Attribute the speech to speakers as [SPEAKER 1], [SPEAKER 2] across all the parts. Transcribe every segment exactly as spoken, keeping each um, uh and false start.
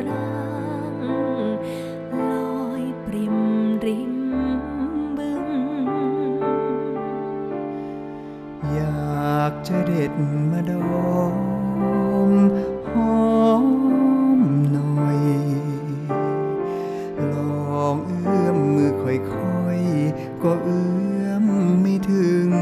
[SPEAKER 1] รังลอยปริมริมบึง
[SPEAKER 2] อยากจะเด็ดมาดมหอมหน่อยลองเอื้อมมือค่อยๆก็เอื้อมไม่ถึง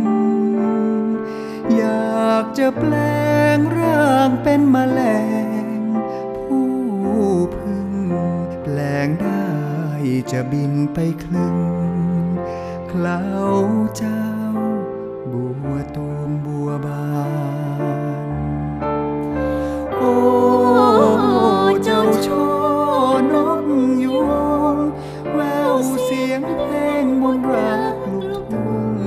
[SPEAKER 2] อยากจะแปลงร่างเป็นแมลงผู้พึ่งแปลงได้จะบินไปคลึงเคล้าเจ้าบัวตูมบัวบานโอ้เจ้าช่อนกยูงแววเสียงเพลงมนต์รักลูกทุ่ง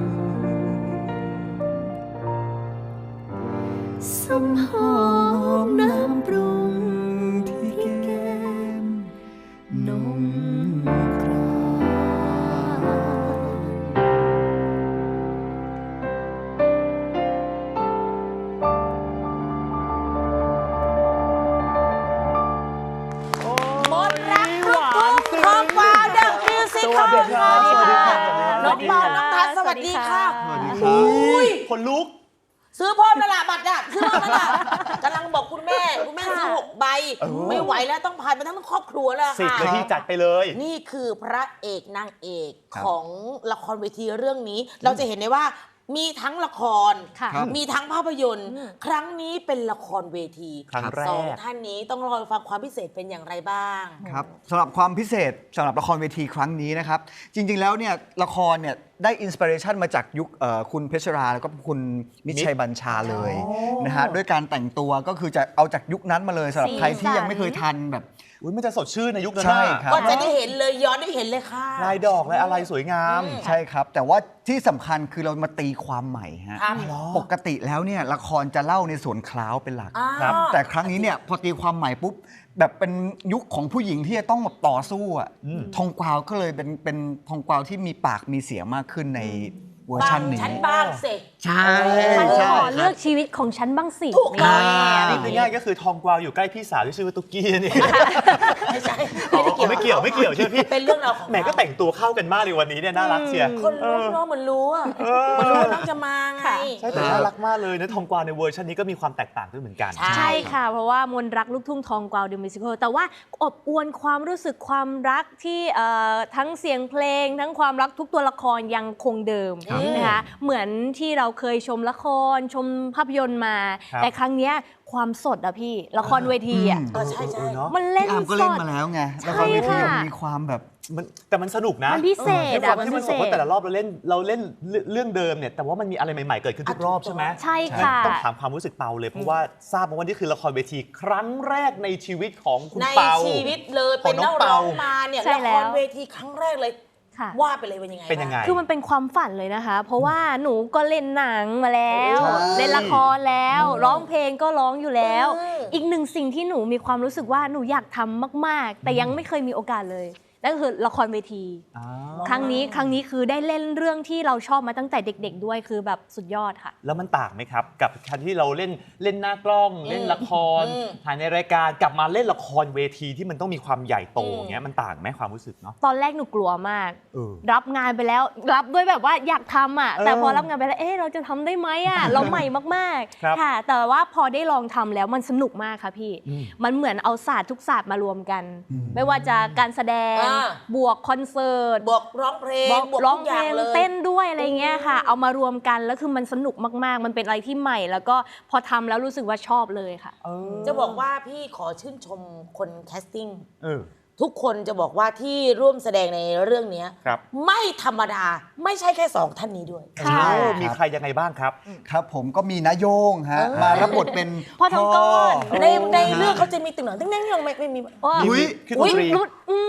[SPEAKER 2] สัมหอมน้ำปรุงที่แก้มนมคราม
[SPEAKER 3] นต์รักลูกทุ่งทองกวาวเดอะมิวสิคลค่ะน้องเปาน้องทัศน์สวัสดีค่ะอุ้ย
[SPEAKER 4] คนลุก
[SPEAKER 3] ซื้อพร้อมแล้วล่ะบัตรอ่ะซื้อพร้อมแล้วล่ะกำลังบอกคุณแม่คุณแม่ซื้อหกใบไม่ไหวแล้วต้องพายมาทั้งครอบครัวแล้วค่ะ
[SPEAKER 4] สิบเลยที่จัดไปเลย
[SPEAKER 3] นี่คือพระเอกนางเอกของละครเวทีเรื่องนี้เราจะเห็นได้ว่ามีทั้งละครมีทั้งภาพยนตร์ครั้งนี้เป็นละครเวที
[SPEAKER 4] ครั้งแรก
[SPEAKER 3] สองท่านนี้ต้องรอฟังความพิเศษเป็นอย่างไรบ้าง
[SPEAKER 2] ครับสำหรับความพิเศษสำหรับละครเวทีครั้งนี้นะครับจริงๆแล้วเนี่ยละครเนี่ยได้อินสปิเรชันมาจากยุคคุณเพชรราแล้วก็คุณมิตรชัยบัญชาเลยนะฮะด้วยการแต่งตัวก็คือจะเอาจากยุคนั้นมาเลยสำหรับใครที่ยังไม่เคยทันแบบ
[SPEAKER 4] อุ้ยมันจะสดชื่นในยุคนั้น
[SPEAKER 2] ใช่ครับ
[SPEAKER 3] ก็จะได้เห็นเลยย้อนได้เห็นเลยค่ะ
[SPEAKER 4] ลายดอกลายอะไรสวยงาม
[SPEAKER 2] ใช่ครับแต่ว่าที่สำคัญคือเรามาตีความใหม่ฮะปกติแล้วเนี่ยละครจะเล่าในส่วนคล้าวเป็นหลักแต่ครั้งนี้เนี่ยพอตีความใหม่ปุ๊บแบบเป็นยุคของผู้หญิงที่จะต้องแบบต่อสู้อ่ะทองกวาวก็เลยเป็นเป็นทองกวาวที่มีปากมีเสียงมากขึ้นในเวอร์ชันนี้
[SPEAKER 3] ฉันบ้างสิ
[SPEAKER 2] ใช่
[SPEAKER 1] ใช่เลือกชีวิตของฉันบ้างสิ
[SPEAKER 3] ถูกต้อง
[SPEAKER 4] นี่ง่ายก็คือทองกวาวอยู่ใกล้พี่สาวที่ชื่อว่าตุ๊กกี้นี่
[SPEAKER 3] ไม่ใช่
[SPEAKER 4] ไม่เกี่ยวไม่เกี่ยวใช่ไหมพี่
[SPEAKER 3] เป็นเรื่องราวของ
[SPEAKER 4] แหมก็แต่งตัวเข้ากันมากเลยวันนี้เนี่ยน่ารักเชียร์
[SPEAKER 3] คนรู้เนาะเหมือนรู้อ่ะเหมือนรู้น้องจะมาไง
[SPEAKER 4] ใช่แต่น่ารักมากเลยนะทองกวาวในเวอร์ชันนี้ก็มีความแตกต่างด้วยเหมือนกัน
[SPEAKER 1] ใช่ค่ะเพราะว่ามนต์รักลูกทุ่งทองกวาวเดอะมิวสิคลแต่ว่าอบอวลความรู้สึกความรักที่ทั้งเสียงเพลงทั้งความรักทุกตัวละครยังคงเดิมนะคะเหมือนที่เราเคยชมละครชมภาพยนตร์มาแต่ครั้งนี้ความสดอะพี่ละครเวทีอะ
[SPEAKER 3] ใช่ใช่
[SPEAKER 1] มันเล่นสด
[SPEAKER 2] ก็เล่นมาแล้วไงละครเวทีมันมีความแบบ
[SPEAKER 4] แต่มันสนุกนะ
[SPEAKER 1] มันพิเศษ
[SPEAKER 4] อะมันพิเศษเพราะแต่ละรอบเราเล่นเราเล่นเรื่องเดิมเนี่ยแต่ว่ามันมีอะไรใหม่ๆเกิดขึ้นทุกรอบใช่ไหม
[SPEAKER 1] ใช่ค่ะ
[SPEAKER 4] ต้องถามความรู้สึกเปาเลยเพราะว่าทราบมาว่านี่คือละครเวทีครั้งแรกในชีวิตของคุณเปา
[SPEAKER 3] ในชีวิตเลยเป็นนักร้องมาเนี่ยละครเวทีครั้งแรกเลยว่าไปเลยเป็นยังไง
[SPEAKER 4] เป็นยังไง
[SPEAKER 1] คือมันเป็นความฝันเลยนะคะเพราะว่าหนูก็เล่นหนังมาแล้วเล่นละครแล้วร้องเพลงก็ร้องอยู่แล้วอีกหนึ่งสิ่งที่หนูมีความรู้สึกว่าหนูอยากทำมากๆแต่ยังไม่เคยมีโอกาสเลยนั่นคือละครเวทีครั้งนี้ครั้งนี้คือได้เล่นเรื่องที่เราชอบมาตั้งแต่เด็กๆด้วยคือแบบสุดยอดค่ะ
[SPEAKER 4] แล้วมันต่างไหมครับกับการที่เราเล่นเล่นหน้ากล้องเล่นละครถ่ายในรายการกลับมาเล่นละครเวทีที่มันต้องมีความใหญ่โตอย่างเงี้ยมันต่างไหมความรู้สึกเนาะ
[SPEAKER 1] ตอนแรกหนูกลัวมากรับงานไปแล้วรับด้วยแบบว่าอยากทำอ่ะแต่พอรับงานไปแล้วเอ๊ะเราจะทำได้ไหมอ่ะเราใหม่มากๆค่ะแต่ว่าพอได้ลองทำแล้วมันสนุกมากค่ะพี่มันเหมือนเอาศาสตร์ทุกศาสตร์มารวมกันไม่ว่าจะการแสดงบวกคอนเสิร์ต
[SPEAKER 3] บวกร้องเพลง
[SPEAKER 1] บวกร้องเพลงเต้นด้วยอะไรเงี้ยค่ะเอามารวมกันแล้วคือมันสนุกมากๆมันเป็นอะไรที่ใหม่แล้วก็พอทำแล้วรู้สึกว่าชอบเลยค่ะ
[SPEAKER 3] จะบอกว่าพี่ขอชื่นชมคนแคสติ้งทุกคนจะบอกว่าที่ร่วมแสดงในเรื่องนี้ไม่ธรรมดาไม่ใช่แค่สองท่านนี้ด้วย
[SPEAKER 4] มีใครยังไงบ้างครับ
[SPEAKER 2] ครับผมก็มีนายงฮะมารับบทเป็น
[SPEAKER 1] พ่อทองก้อน
[SPEAKER 3] ในในเรื่องเขาจะมีตึงหนังตึงนั่งยังไม่ไม่มี
[SPEAKER 4] อุ้ย
[SPEAKER 1] อุ้ย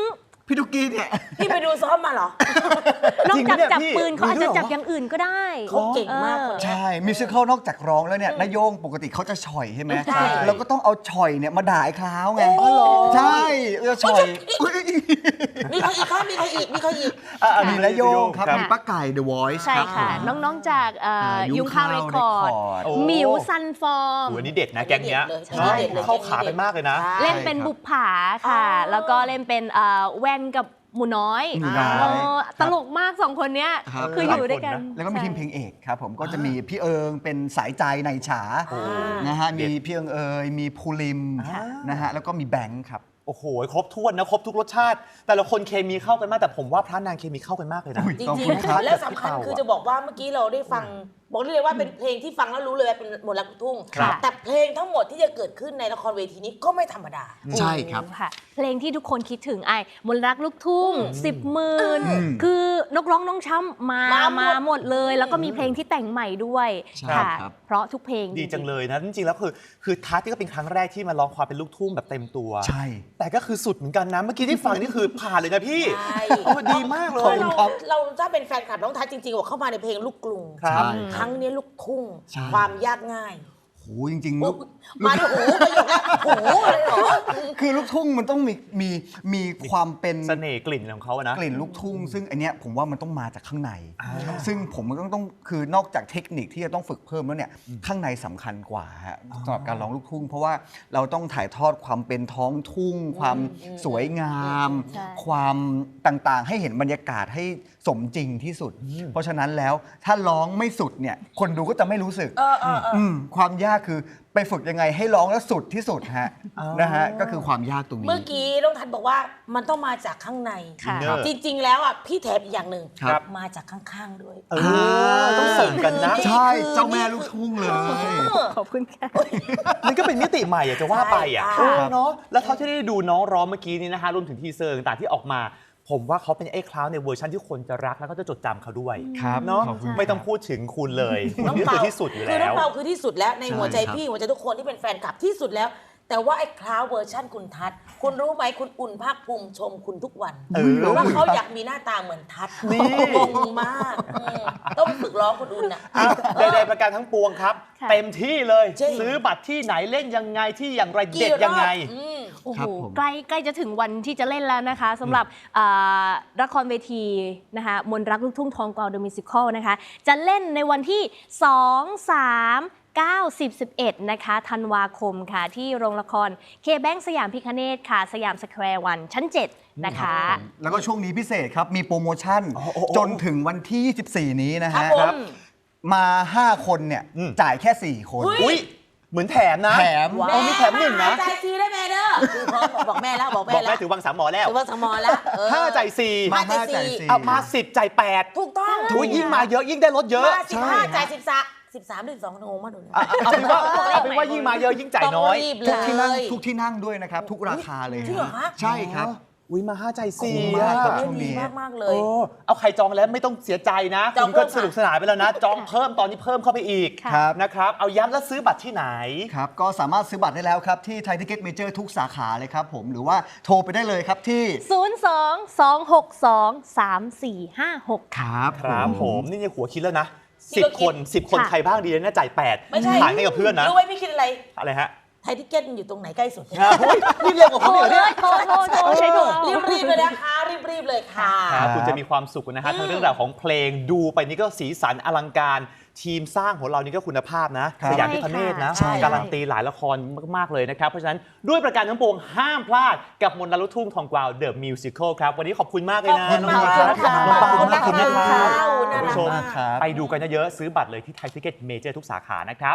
[SPEAKER 2] พี่ตุ๊กกี้เนี่ย
[SPEAKER 3] พี่ไปดูซ้อมมาเหรอ
[SPEAKER 1] นอกจาก
[SPEAKER 4] จริงปะเนี่ย
[SPEAKER 1] จับ
[SPEAKER 4] พี่
[SPEAKER 1] ปืนเขาอาจ
[SPEAKER 4] มีด้
[SPEAKER 1] จะ
[SPEAKER 4] วยเหรอ
[SPEAKER 1] จับอย่างอื่นก็ได้
[SPEAKER 3] เขาเก่งมากคนเนี้ย
[SPEAKER 2] ใช่มิวสิควลนอกจากร้องแล้วเนี่ยนายโยงปกติเขาจะฉ่อยใช่ไหม
[SPEAKER 3] ใช่
[SPEAKER 2] แล้วก็ต้องเอาฉ่อยเนี่ยมาด่าไอ้คล้าวไง
[SPEAKER 3] โอ้เหรอ
[SPEAKER 2] ใช่จะฉ่อยอุ๊ย
[SPEAKER 3] มีใครอีกครับมีใครอีกมีใครอีก
[SPEAKER 4] อ่ะอ่ะ
[SPEAKER 2] มีนายโยงครับ
[SPEAKER 1] ค่ะ
[SPEAKER 2] มีป้าไก่ The Voice
[SPEAKER 1] ใช่
[SPEAKER 2] ครับ
[SPEAKER 1] ค่ะ
[SPEAKER 2] ผม
[SPEAKER 1] น้องๆจากเอ่อ
[SPEAKER 2] อ่า
[SPEAKER 1] ยุงข้าวเรคคอร์ด
[SPEAKER 2] Record
[SPEAKER 4] โอ้
[SPEAKER 1] หมิวซันฟอร์ม
[SPEAKER 4] โอ้โหอันนี้เด็ดนะแก๊งเนี้ย
[SPEAKER 3] เด็ดเลย
[SPEAKER 4] ใช่
[SPEAKER 3] เด็ดเลย
[SPEAKER 4] เข้าขากันมากเลยนะ
[SPEAKER 3] ใช่
[SPEAKER 1] เล่นเป็นบุปผาค่ะ
[SPEAKER 3] อ๋อ
[SPEAKER 1] แล้วก็เล่นเป็นเอ่อแว่นกับหมูน้อย
[SPEAKER 2] หมูน้อย
[SPEAKER 1] เออตลกมากสองคนเนี้ย
[SPEAKER 2] ครับ
[SPEAKER 1] คืออยู่ด้วยกัน
[SPEAKER 2] แล้วก็มีทีมเพล
[SPEAKER 1] ใช่
[SPEAKER 2] งเอกครับผมก็จะมีพี่เอิงเป็นสายใจในฉา
[SPEAKER 4] โอ้
[SPEAKER 2] นะฮะ
[SPEAKER 4] เด็ด
[SPEAKER 2] มีพี่เอิงเอยมีภูริม
[SPEAKER 4] อ่าน
[SPEAKER 2] นะฮะแล้วก็มีแบงค์ครับ
[SPEAKER 4] โอ้โห ครบถ้วนนะ ครบทุกรสชาติ แต่ละคนเคมีเข้ากันมาก แต่ผมว่าพระนางเคมีเข้ากันมากเลยนะ
[SPEAKER 2] อุ๊ย
[SPEAKER 3] จ
[SPEAKER 2] ขอบ
[SPEAKER 3] ริ
[SPEAKER 2] คุ
[SPEAKER 3] ง
[SPEAKER 2] ณครับ
[SPEAKER 3] ๆ แล้วสำคัญคือจะบอกว่าเมื่อกี้เราได้ฟัง บอกได้เลยว่าเป็นเพลงที่ฟังแล้วรู้เลยว่าเป็นมนต์รักลูกทุ่ง
[SPEAKER 1] ครับ
[SPEAKER 3] แต่เพลงทั้งหมดที่จะเกิดขึ้นในละครเวทีนี้ก็ไม่ธรรมดา
[SPEAKER 2] ใช่ครับ
[SPEAKER 1] ค่ะ เพลงที่ทุกคนคิดถึงไอ้มนต์รักลูกทุ่ง
[SPEAKER 3] อืม
[SPEAKER 1] สิบหมื่น
[SPEAKER 2] อืม
[SPEAKER 1] คือนกร้องน้องช้ำมา
[SPEAKER 3] มาหมด
[SPEAKER 1] มาหมดเลย แล้วก็มีเพลงที่แต่งใหม่ด้วย
[SPEAKER 2] ใช่
[SPEAKER 1] ค่ะ
[SPEAKER 2] ครับ
[SPEAKER 1] เพราะทุกเพลง
[SPEAKER 4] ดีจังเลยนะ จริงๆ แล้วคือ คือทัศน์นี่ก็เป็นครั้งแรกที่มาร้องความเป็นลูกทุ่งแบบเต็มตัว
[SPEAKER 2] ใช่
[SPEAKER 4] แต่ก็คือสุดเหมือนกันนะ เมื่อกี้ที่ฟังนี่คือผ่านเลยนะพี่
[SPEAKER 3] ใช่
[SPEAKER 4] โอ้ดีมากเล
[SPEAKER 3] เพราะ
[SPEAKER 4] ย
[SPEAKER 3] เราเราถ้าเป็นแฟนคลับน้องทัศน์จริงๆบอกเข้ามาในเพลงลูกกรุง
[SPEAKER 4] ครับ
[SPEAKER 2] ใช่
[SPEAKER 3] ครั้งนี้ลูกทุ่ง
[SPEAKER 2] ใช่
[SPEAKER 3] ความยากง่าย
[SPEAKER 2] โหจริงๆ
[SPEAKER 3] อุ๊
[SPEAKER 2] ลู
[SPEAKER 3] ย
[SPEAKER 2] ก
[SPEAKER 3] มาถึงหูประโยคแล้วหูเลยเหรอ
[SPEAKER 2] คือลูกทุ่งมันต้องมีมีมีความเป็น
[SPEAKER 4] เสน่ห์กลิ่นของเขาอะนะ
[SPEAKER 2] กลิ่นลูกทุ่ง ซึ่งอันเนี้ยผมว่ามันต้องมาจากข้างใน
[SPEAKER 4] อ่า
[SPEAKER 2] ซึ่งผมมันต้องต้องคือนอกจากเทคนิคที่จะต้องฝึกเพิ่มแล้วเนี่ยข้างในสำคัญกว่าฮะสำหรับการร้องลูกทุ่ง เพราะว่าเราต้องถ่ายทอดความเป็นท้องทุ่ง ความสวยงาม
[SPEAKER 1] ใช่
[SPEAKER 2] ความต่างๆ ให้เห็นบรรยากาศให้สมจริงที่สุด เพราะฉะนั้นแล้วถ้าร้องไม่สุดเนี่ยคนดูก็จะไม่รู้สึก
[SPEAKER 3] เออเออเอออ
[SPEAKER 2] มความยากคือไปฝึกยังไงให้ร้องแล้วสุดที่สุดฮะ
[SPEAKER 4] อ๋อ
[SPEAKER 2] นะฮะก็คือความยากตรงนี้
[SPEAKER 3] เมื่อกี้น้องทัศน์บอกว่ามันต้องมาจากข้างใน
[SPEAKER 1] ค่ะ
[SPEAKER 4] ครับ
[SPEAKER 3] จริง ๆ แล้วอ่ะพี่แถมอีกอย่างหนึ่ง
[SPEAKER 2] ครับ
[SPEAKER 3] มาจากข้างๆด้วย
[SPEAKER 4] เออ ต้องเสริมกันนะ
[SPEAKER 2] ใช่เจ้าแม่ลูกทุ่งเลย
[SPEAKER 1] ขอบคุณค่ะ
[SPEAKER 4] มันก็เป็นมิติใหม่อะจะว่าไปอะ
[SPEAKER 3] ใช่
[SPEAKER 4] เออเนาะแล้วเท่าที่ได้ดูน้องร้องเมื่อกี้นี้นะฮะรวมถึงทีเซอร์ต่างๆที่ออกมา ผมว่าเขาเป็นไอ้คลาวในเวอร์ชันที่คนจะรักแล้วก็จะจดจำเขาด้วย
[SPEAKER 2] ครับ
[SPEAKER 4] เนาะ
[SPEAKER 2] ขอบคุณ
[SPEAKER 4] ไม่ต้องพูดถึงคุณเลยคุณนี่คือที่สุดอยู่
[SPEAKER 3] คือน้
[SPEAKER 4] แล้
[SPEAKER 3] อง
[SPEAKER 4] ว
[SPEAKER 3] เปาคือที่สุดแล้วใน
[SPEAKER 2] ใช่
[SPEAKER 3] หัวใจ
[SPEAKER 2] ครับ
[SPEAKER 3] พี่หัวใจทุกคนที่เป็นแฟนคลับที่สุดแล้ว แต่ว่าไอ้คลาวเวอร์ชั่นคุณทัศน์คุณรู้ไหมคุณอุ่นภาคภูมิชมคุณทุกวัน
[SPEAKER 4] เออ
[SPEAKER 3] ว่าเขาอยากมีหน้าตาเหมือนทัศน์
[SPEAKER 4] นี่
[SPEAKER 3] งงมากอืมต้องไปฝึกร้องคุณอุ่นอ่ะ
[SPEAKER 4] อ่ะใดๆประการทั้งปวงครับ
[SPEAKER 1] ค่ะ
[SPEAKER 4] เต็มที่เลย
[SPEAKER 3] จริง
[SPEAKER 4] ซื้อบัตรที่ไหนเล่นยังไงที่อย่างไร
[SPEAKER 3] กี่
[SPEAKER 4] เด็ด
[SPEAKER 3] รอบ
[SPEAKER 4] ยังไง
[SPEAKER 3] อืม
[SPEAKER 1] โอ้โห
[SPEAKER 2] ครับผม
[SPEAKER 1] ใกล้ใกล้จะถึงวันที่จะเล่นแล้วนะคะสำหรับอ่าละครเวทีนะคะมนต์รักลูกทุ่งทองกวาวเดอะมิวสิคลนะคะจะเล่นในวันที่ สอง สาม เก้า สิบ สิบเอ็ด นะคะธันวาคมค่ะ ที่โรงละครเคแบงสยามพิคเนตค่ะ สยามสแควร์วันชั้น เจ็ด นะคะ
[SPEAKER 2] แล้วก็ช่วงนี้พิเศษครับ มีโปรโมชั่น
[SPEAKER 4] โอ้โอ้โอ้
[SPEAKER 2] จนถึงวันที่ ยี่สิบสี่ นี้นะ
[SPEAKER 3] ครั
[SPEAKER 2] ฮะ
[SPEAKER 3] บผม
[SPEAKER 2] มา ห้า คนเนี่ย
[SPEAKER 4] อืม
[SPEAKER 2] จ่ายแค่ สี่ คน
[SPEAKER 3] อุ๊ย
[SPEAKER 4] อุ้ยเหมือนแถมนะ
[SPEAKER 2] แถม
[SPEAKER 4] เออมีแถมหนึ่งนะ
[SPEAKER 3] ใจซีได้แม่เด้อคือพอบอกแม่แล้วบอกแม่
[SPEAKER 4] บอก
[SPEAKER 3] แล้
[SPEAKER 4] แม่
[SPEAKER 3] ว
[SPEAKER 4] ถือวังสามหมอแล้ว
[SPEAKER 3] ถือว่าสมอแล้วเออ
[SPEAKER 4] ห้าจ่ายสี่
[SPEAKER 2] มา
[SPEAKER 3] จ่าย
[SPEAKER 2] ห้า
[SPEAKER 3] สี่
[SPEAKER 2] จ่ายสี่
[SPEAKER 4] เอามาสิบจ่ายแปด
[SPEAKER 3] ถูกต้อง
[SPEAKER 4] อุ้ยยิ่งมาเยอะยิ่งได้ลดเยอะ
[SPEAKER 3] มาสิบห้าจ่ายสิบสามสิบสามหรือสองงงมากดูนะ
[SPEAKER 4] อ่ะเอาเป็นว่าเอาเป็นว่ายิ่งมาเยอะยิ่งจ่ายน้อย
[SPEAKER 3] ต้องรีบเล
[SPEAKER 2] ทุกที่นั่ง
[SPEAKER 3] ย
[SPEAKER 2] ทุกที่นั่งด้วยนะครับ ทุกราคาเลย
[SPEAKER 3] จริงเหรอคะ
[SPEAKER 2] ใช่ครับ
[SPEAKER 4] อุ้ยมาห้าใจสี่
[SPEAKER 2] คุ้มมากครับ
[SPEAKER 4] อะ
[SPEAKER 2] ช่วงนี้
[SPEAKER 3] ดีมากๆเล
[SPEAKER 4] โอ้
[SPEAKER 3] ย
[SPEAKER 4] เอาใครจองแล้วไม่ต้องเสียใจนะ
[SPEAKER 3] จอง
[SPEAKER 4] คุณก็
[SPEAKER 3] เพิ่ม
[SPEAKER 4] สนุกสนานไปแล้วนะ จองเพิ่มตอนนี้เพิ่มเข้าไปอีก
[SPEAKER 1] ค่ะ
[SPEAKER 2] ครับ
[SPEAKER 4] นะครับ เอาย้ำแล้วซื้อบัตรที่ไหน
[SPEAKER 2] ครับ ก็สามารถซื้อบัตรได้แล้วครับ ที่ไทยทิเก็ตเมเจอร์ทุกสาขาเลยครับผม หรือว่าโทรไปได้เลยครับที่
[SPEAKER 1] ศูนย์ สอง สอง หก สอง สาม สี่ ห้า หก
[SPEAKER 2] ค
[SPEAKER 1] ค่ะ
[SPEAKER 2] รับ
[SPEAKER 4] ครับผมนี่ยังหัวคิดแล้วนะ
[SPEAKER 3] นี่
[SPEAKER 4] สิบ
[SPEAKER 3] ก็คิ
[SPEAKER 4] ค
[SPEAKER 3] ด
[SPEAKER 4] นสิบคน
[SPEAKER 1] ค่ะ
[SPEAKER 4] ใครบ้างดีนะจ่ายแปด
[SPEAKER 3] ไม่ใช่
[SPEAKER 4] ขายให้กับเพื่อนนะ
[SPEAKER 3] รู้ไหมพี่คิดอะไร
[SPEAKER 4] อะไรฮะ
[SPEAKER 3] ไทยทิเก็ตมันอยู่ตรงไหนใกล้สุด
[SPEAKER 4] อ่ะเฮ้ยนี่เร็วกว่า
[SPEAKER 1] โท
[SPEAKER 4] เขา
[SPEAKER 1] ร
[SPEAKER 4] อีกเหรอ
[SPEAKER 1] เล
[SPEAKER 4] เนี่ย
[SPEAKER 1] ยโทรโทรโทรใช้โทรเอา
[SPEAKER 3] รีบๆเลยนะคะรีบๆเลยค่ะ
[SPEAKER 4] ครับคุณจะมีความสุขนะฮะทั้งเรื่องราวของเพลงดูไปนี่ก็สีสันอลังการ ทีมสร้างของเรานี่ก็คุณภาพนะครับ สยามพิคเนตนะ
[SPEAKER 1] ใช่ค่ะ
[SPEAKER 4] การันตีหลายละครมาก ๆ เลยนะครับ เพราะฉะนั้นด้วยประการทั้งปวงห้ามพลาดกับมนต์รักลูกทุ่งทองกวาวเดอะมิวสิคลครับ วันนี้ขอบคุณมากเลยนะ
[SPEAKER 3] ขอบคุณมาก
[SPEAKER 4] น้อง
[SPEAKER 3] ค่ะ
[SPEAKER 4] ๆ
[SPEAKER 3] ขอบคุณมาก
[SPEAKER 4] ขอบคุณนะครับ
[SPEAKER 3] ค่ะ
[SPEAKER 4] คุณผู้ชม
[SPEAKER 2] ขอบคุณมากครับ
[SPEAKER 4] ไปดูกันเยอะๆซื้อบัตรเลยที่ไทยทิเก็ตเมเจอร์ทุกสาขานะครับ